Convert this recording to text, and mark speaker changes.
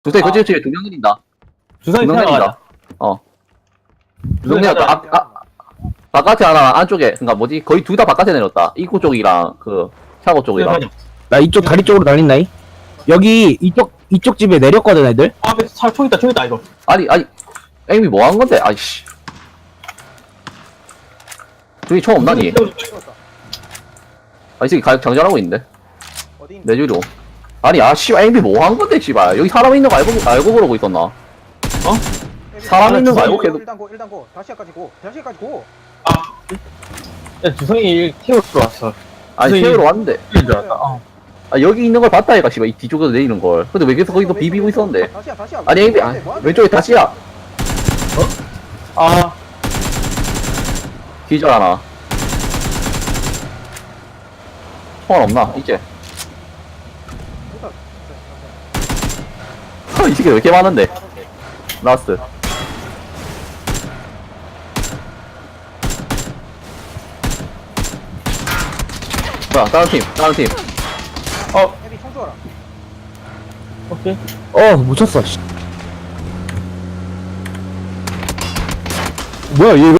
Speaker 1: 두세 그치 그치 두명 내린다.
Speaker 2: 주선이
Speaker 1: 두명
Speaker 2: 생각하자.
Speaker 1: 내린다. 두명 내렸다. 바깥에 하나 안쪽에 그니까 뭐지 거의 둘 다 바깥에 내렸다. 입구 쪽이랑 그 차고 쪽이랑.
Speaker 3: 나 이쪽 다리 쪽으로 달린다이. 여기 이쪽 집에 내렸거든 애들.
Speaker 2: 앞에 총 있다 이거.
Speaker 1: 아니 에임이 뭐 한 건데? 아이씨. 저기 총 없나니? 아, 이 새끼 가격 장전하고 있는데.
Speaker 4: 어디 있는
Speaker 1: 내 주로. 아니, 씨발, 에임이 뭐 한 건데, 씨발. 여기 사람 있는 거 알고 그러고 있었나? 사람 있는 거 알고 계속.
Speaker 4: 일단 고 다시까지 고
Speaker 2: 야, 주성이 태우러 왔어.
Speaker 1: 아니,
Speaker 2: 무슨
Speaker 1: 세우러 왔는데.
Speaker 2: 줄 알았다.
Speaker 1: 아, 여기 있는 걸 봤다, 얘가, 씨발. 이 뒤쪽에서 내리는 걸. 근데 왜 계속 거기서 비비고 있었는데?
Speaker 4: 다시야
Speaker 1: 아니, 에임이, 왼쪽에 다시야.
Speaker 2: 아,
Speaker 1: 기절 하나. 총알 없나? 이제. 이 새끼 왜 이렇게 많은데? 라스트. 뭐야, 다른 팀.
Speaker 4: 헤비 총 줘라
Speaker 2: 오케이.
Speaker 3: 못 쳤어. 씨. 뭐야 얘